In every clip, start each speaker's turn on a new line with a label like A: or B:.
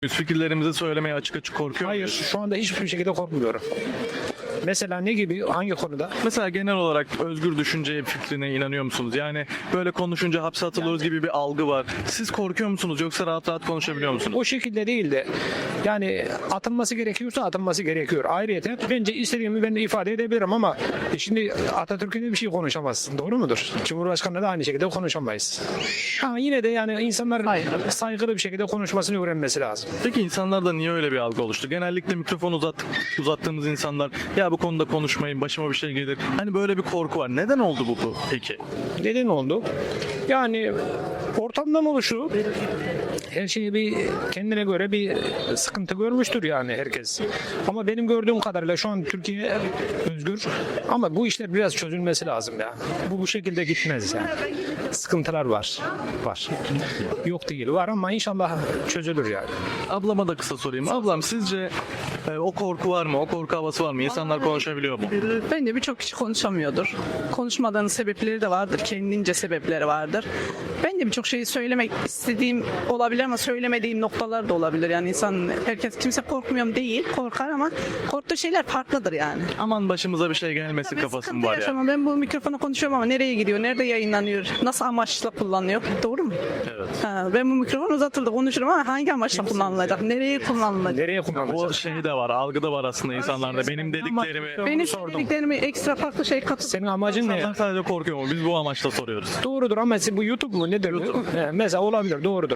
A: Fikirlerimizi söylemeye açık açık korkuyor
B: Hayır,
A: muyuz?
B: şu anda hiçbir şekilde korkmuyorum. Mesela ne gibi, hangi konuda?
A: Mesela genel olarak özgür düşünce fikrine inanıyor musunuz? Yani böyle konuşunca hapse atılıyoruz gibi bir algı var. Siz korkuyor musunuz yoksa rahat rahat konuşabiliyor musunuz?
B: O şekilde değil de yani atılması gerekiyorsa atılması gerekiyor. Ayrıyeten bence istediğimi ben de ifade edebilirim ama şimdi Atatürk'ün de bir şey konuşamazsın. Doğru mudur? Cumhurbaşkanı da aynı şekilde konuşamayız. Ama yine de yani insanlar saygılı bir şekilde konuşmasını öğrenmesi lazım.
A: Peki insanlarda niye öyle bir algı oluştu? Genellikle mikrofon uzattığımız insanlar ya bu konuda konuşmayın başıma bir şey gelir. Hani böyle bir korku var. Neden oldu bu peki?
B: Neden oldu? Yani ortamdan oluşu her şeyi bir kendine göre bir sıkıntı görmüştür yani herkes. Ama benim gördüğüm kadarıyla şu an Türkiye özgür ama bu işler biraz çözülmesi lazım ya. Bu şekilde gitmez yani. Sıkıntılar var. Var. Yok değil var ama inşallah çözülür yani.
A: Ablama da kısa sorayım. Ablam sizce o korku var mı? O korku havası var mı? İnsanlar konuşabiliyor mu?
C: Bence birçok kişi konuşamıyordur. Konuşmadığının sebepleri de vardır. Kendince sebepleri vardır. Ben de birçok şeyi söylemek istediğim olabilir ama söylemediğim noktalar da olabilir. Yani kimse korkmuyorum değil, korkar ama korktuğu şeyler farklıdır yani.
A: Aman başımıza bir şey gelmesin
C: Ben
A: kafası
C: sıkıntı
A: var ya.
C: yaşamam. Ben bu mikrofona konuşuyorum ama nereye gidiyor, nerede yayınlanıyor, nasıl amaçla kullanılıyor? Doğru mu?
A: Evet.
C: Ben bu mikrofon uzatıldı konuşurum ama hangi amaçla kullanılacak, nereye kullanılacak?
B: Nereye kullanacağız?
A: O şey de var, algı da var aslında insanlarda. Benim dediklerimi...
C: Benim dediklerimi ekstra farklı şey katıp
B: Senin amacın ne?
A: İnsanlar sadece korkuyor mu? Biz bu amaçla soruyoruz.
B: Doğrudur ama bu YouTube mu nedir? Mesela olabilir doğrudur.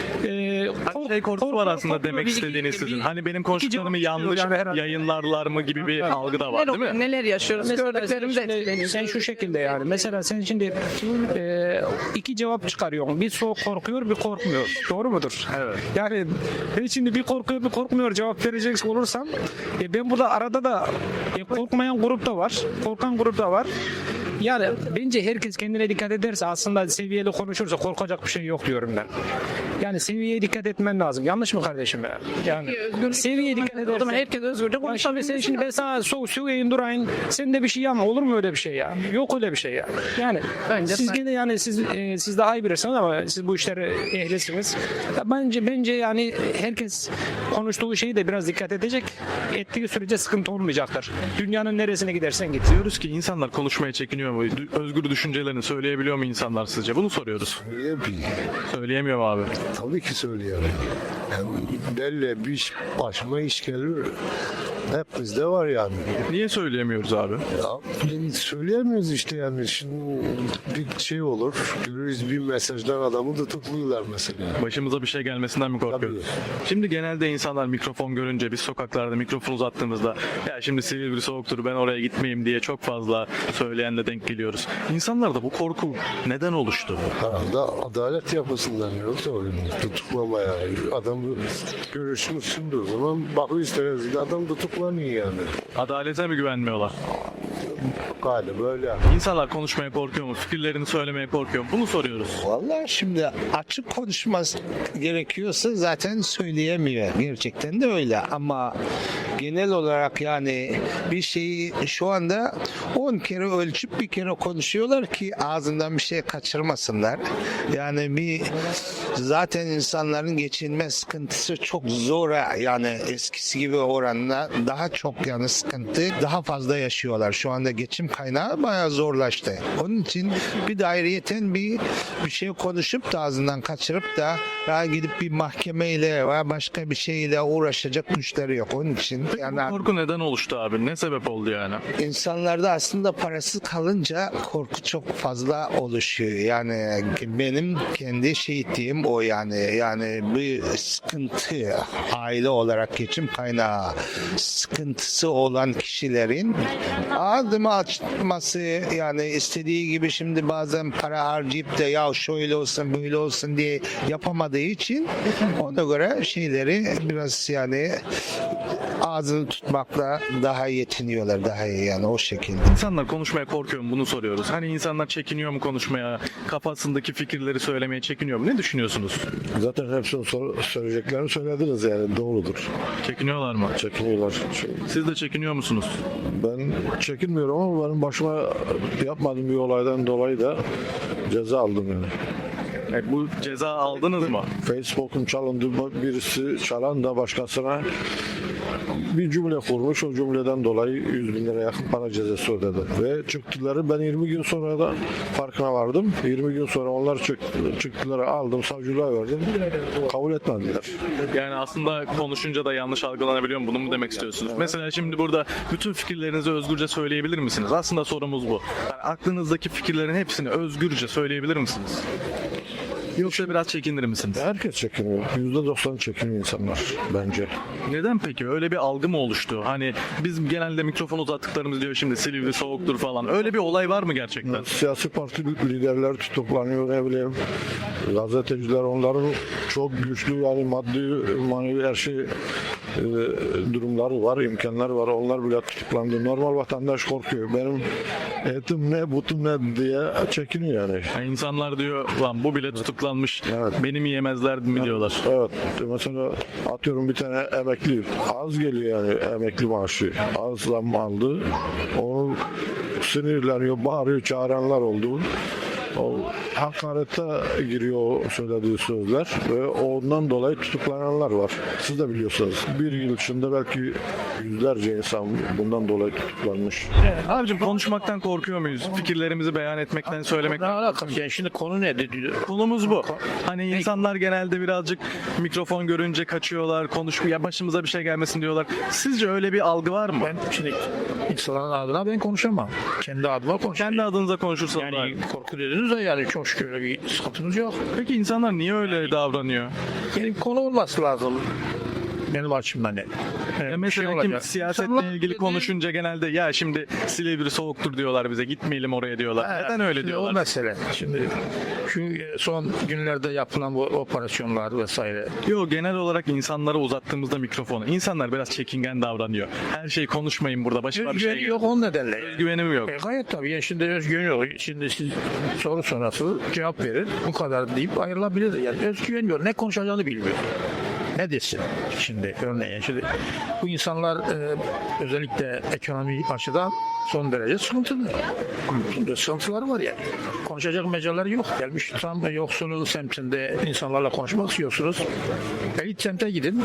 A: Şey korkusu var aslında demek istediğiniz sizin. Hani benim konuştuklarımı yanlış
B: yani herhalde.
A: yayınlarlar mı gibi bir algı da var değil mi?
C: Neler yaşıyoruz, gördüklerimiz etkileniyor.
B: Sen şu şekilde yani mesela sen şimdi iki cevap çıkarıyorsun. Bir korkuyor bir korkmuyor. Doğru mudur?
A: Evet.
B: Yani ben şimdi bir korkuyor bir korkmuyor cevap verecek olursam ben burada arada da korkmayan grup da var. Korkan grup da var. Yani bence herkes kendine dikkat ederse aslında seviyeli konuşursa korkacak bir şey yok diyorum ben. Yani seviyeye dikkat etmen lazım. Yanlış mı kardeşim ya? Yani seviyeye dikkat
C: O zaman
B: edersen.
C: herkes özgürce
B: Ya
C: konuşabilir.
B: şimdi ben sana söyleyeyim durayım. Sen de bir şey yapma. Olur mu öyle bir şey ya? Yok öyle bir şey ya. Yani
C: Bence
B: siz
C: sen-
B: gene yani siz daha iyi bilirsiniz ama siz bu işlere ehlisiniz. Ya bence yani herkes konuştuğu şeyi de biraz dikkat edecek. Ettiği sürece sıkıntı olmayacaktır. Dünyanın neresine gidersen git.
A: Diyoruz ki insanlar konuşmaya çekiniyor mu? Özgür düşüncelerini söyleyebiliyor mu insanlar sizce? Bunu soruyoruz. Söyleyemiyor mu abi?
D: Tabii ki söylüyorum. Yani belli bir iş, başıma iş gelir. Hepimizde var yani.
A: Niye söyleyemiyoruz abi?
D: Ya, söyleyemiyoruz işte yani. Şimdi bir şey olur. Görürüz bir mesajdan adamı tutukluyorlar mesela.
A: Başımıza bir şey gelmesinden mi korkuyoruz? Şimdi genelde insanlar mikrofon görünce biz sokaklarda mikrofon uzattığımızda ya şimdi Silivri soğuktur ben oraya gitmeyeyim diye çok fazla söyleyenle denk geliyoruz. İnsanlarda bu korku neden oluştu?
D: Herhalde adalet yapısından yoksa tutuklamaya. Adamı görüşmüşsündür o zaman bakıyorsunuz adam tutuklanıyor yani.
A: Adalete mi güvenmiyorlar?
D: Galiba öyle.
A: İnsanlar konuşmaya korkuyor mu? Fikirlerini söylemeye korkuyor mu? Bunu soruyoruz.
E: Vallahi şimdi açık konuşması gerekiyorsa zaten söyleyemiyor. Gerçekten de öyle ama genel olarak yani bir şeyi şu anda 10 kere ölçüp bir kere konuşuyorlar ki ağzından bir şey kaçırmasınlar. Yani zaten insanların geçinme sıkıntısı çok zor yani eskisi gibi oranla daha çok yani sıkıntı daha fazla yaşıyorlar. Şu anda geçim kaynağı bayağı zorlaştı. Onun için bir de ayrıyeten bir şey konuşup da ağzından kaçırıp da ya gidip bir mahkemeyle veya başka bir şeyle uğraşacak güçleri yok. Onun için yani
A: Bu korku neden oluştu abi? Ne sebep oldu yani?
E: insanlarda aslında parası kalınca korku çok fazla oluşuyor. Yani benim kendi şehitliğim o yani bir sıkıntı aile olarak geçim kaynağı sıkıntısı olan kişilerin ağzımı açması yani istediği gibi şimdi bazen para harcayıp da ya şöyle olsun böyle olsun diye yapamadığı için ona göre şeyleri biraz yani ağzını tutmakla daha yetiniyorlar daha iyi yani o şekilde.
A: İnsanlar konuşmaya korkuyor mu? Bunu soruyoruz. Hani insanlar çekiniyor mu konuşmaya? Kafasındaki fikirleri söylemeye çekiniyor mu? Ne düşünüyorsunuz?
D: Zaten hepsini söyleyeceklerini söylediniz yani doğrudur.
A: Çekiniyorlar mı?
D: Çekiniyorlar.
A: Siz de çekiniyor musunuz?
D: Ben çekinmiyorum ama benim başıma yapmadığım bir olaydan dolayı da ceza aldım yani.
A: Bu ceza aldınız mı?
D: Facebook'un çalındı, birisi çalan da başkasına bir cümle kurmuş. O cümleden dolayı 100 bin lira yakın para cezası ödedi. Ve çıktıları ben 20 gün sonra da farkına vardım. 20 gün sonra onlar çıktıları aldım, savcılığa verdim. Kabul etmediler.
A: Yani aslında konuşunca da yanlış algılanabiliyor mu? Bunu mu demek istiyorsunuz? Mesela şimdi burada bütün fikirlerinizi özgürce söyleyebilir misiniz? Aslında sorumuz bu. Yani aklınızdaki fikirlerin hepsini özgürce söyleyebilir misiniz? Yoksa biraz çekinir misiniz?
D: Herkes çekiniyor. %90 çekiniyor insanlar bence.
A: Neden peki? Öyle bir algı mı oluştu? Hani biz genelde mikrofon uzattıklarımız diyor şimdi Silivri soğuktur falan. Öyle bir olay var mı gerçekten?
D: Siyasi parti liderler tutuklanıyor, ne bileyim. Gazeteciler, onların çok güçlü, yani maddi manevi her şey durumları var, imkanları var. Onlar bile tutuklandı. Normal vatandaş korkuyor. Benim etim ne, butum ne diye çekiniyor yani.
A: Yani insanlar diyor lan bu bile tutuklanmış.
D: Evet.
A: Beni mi yemezler mi diyorlar.
D: Evet. Mesela atıyorum bir tane emekli az geliyor yani emekli maaşı. Az zam aldı. Onu sinirleniyor, bağırıyor, çağıranlar oldu. O hakarete giriyor o söylediği sözler ve ondan dolayı tutuklananlar var. Siz de biliyorsunuz. Bir yıl içinde belki yüzlerce insan bundan dolayı tutuklanmış.
A: Abicim konuşmaktan korkuyor muyuz? Fikirlerimizi beyan etmekten,
F: Ne
A: söylemekten.
F: alakası yani şimdi konu ne dedi?
A: Konumuz bu. Hani insanlar genelde birazcık mikrofon görünce kaçıyorlar, ya başımıza bir şey gelmesin diyorlar. Sizce öyle bir algı var mı?
F: Ben şimdi insanların adına ben konuşamam. Kendi adıma konuşamam.
A: Kendi adınıza konuşursanız.
F: Yani korku dediniz de yani çok şükür öyle bir sıkıntımız yok.
A: Peki insanlar niye öyle davranıyor?
F: Yani konu olması lazım. Benim açımdan ne?
A: Mesela kim siyasetle ilgili konuşunca genelde ya şimdi Silivri soğuktur diyorlar bize, gitmeyelim oraya diyorlar. Neden öyle
F: O
A: diyorlar?
F: mesele. Şimdi şu son günlerde yapılan bu operasyonlar vesaire.
A: Yok, genel olarak insanlara uzattığımızda mikrofonu insanlar biraz çekingen davranıyor. Her şeyi konuşmayın burada, başıma bir şey
F: Özgüveni yok onun nedenle.
A: Özgüvenim yok.
F: Gayet tabii. Yani şimdi özgüven yok. Şimdi siz soru sonrası cevap verin. Bu kadar deyip ayrılabilir. Yani özgüven yok. Ne konuşacağını bilmiyor. Ne desin şimdi örneğin? Şimdi bu insanlar özellikle ekonomi açıdan son derece sıkıntılı. Sıkıntıları var yani. Konuşacak mecraları yok. Gelmiş tam yoksulluğu semtinde insanlarla konuşmak istiyorsunuz. Elit semte gidin.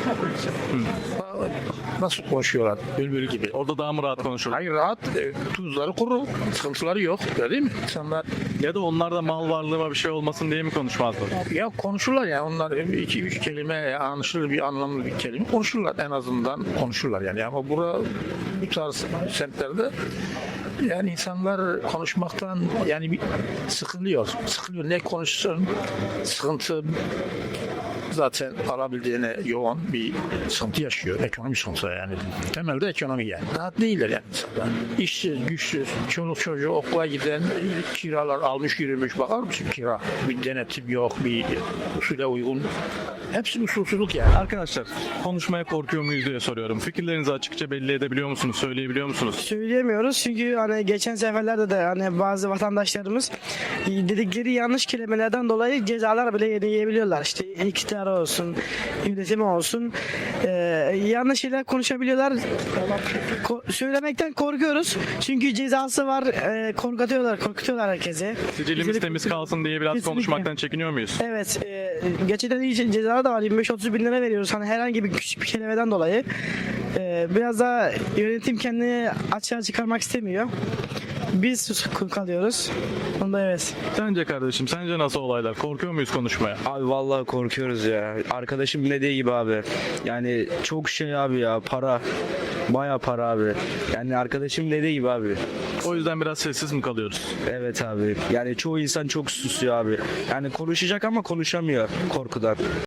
F: Nasıl konuşuyorlar? Bülbül gibi.
A: Orada daha mı rahat konuşurlar?
F: Hayır rahat. Tuzları kuru. Sıkıntıları yok. Öyle değil mi? İnsanlar
A: Ya da onlar da mal varlığıma bir şey olmasın diye mi konuşmazlar?
F: ya konuşurlar ya. Onlar 2-3 kelime anlaşılır bir anlamlı bir kelime konuşurlar. En azından konuşurlar yani. Ama bu tarz semtlerde yani insanlar konuşmaktan yani bir sıkılıyor. Sıkılıyor. Ne konuşsun? Sıkıntı zaten alabildiğine yoğun bir sıkıntı yaşıyor. Ekonomi sıkıntı yani. Temelde ekonomi yani. Rahat değiller yani insanlar. İşsiz, güçsüz, çoluk çocuğu okula giden kiralar almış yürümüş. Bakar mısın kira? Bir denetim yok, bir usule uygun. Hepsi usulsüzlük yani.
A: Arkadaşlar konuşmaya korkuyor muyuz diye soruyorum. Fikirlerinizi açıkça belli edebiliyor musunuz? Söyleyebiliyor musunuz?
G: Söyleyemiyoruz çünkü hani geçen seferlerde de hani bazı vatandaşlarımız dedikleri yanlış kelimelerden dolayı cezalar bile yiyebiliyorlar. İşte iktidar olsun, yönetimi olsun, yanlış şeyler konuşabiliyorlar. Söylemekten korkuyoruz çünkü cezası var, korkutuyorlar herkese.
A: Sicilimiz temiz kalsın diye biraz
G: Kesinlikle.
A: konuşmaktan çekiniyor muyuz?
G: Evet, gerçekten iyi cezalar da var. 25-30 bin lira veriyoruz. Hani herhangi bir küçük bir kelimeden dolayı. Biraz daha yönetim kendini açığa çıkarmak istemiyor. Biz sus kalıyoruz. Onda evet.
A: Sence kardeşim, sence nasıl olaylar? Korkuyor muyuz konuşmaya?
H: Abi vallahi korkuyoruz ya. Arkadaşım dediği gibi abi. Yani çok şey abi ya, para. Baya para abi. Yani arkadaşım dediği gibi abi.
A: O yüzden biraz sessiz mi kalıyoruz?
H: Evet abi. Yani çoğu insan çok susuyor abi. Yani konuşacak ama konuşamıyor korkudan.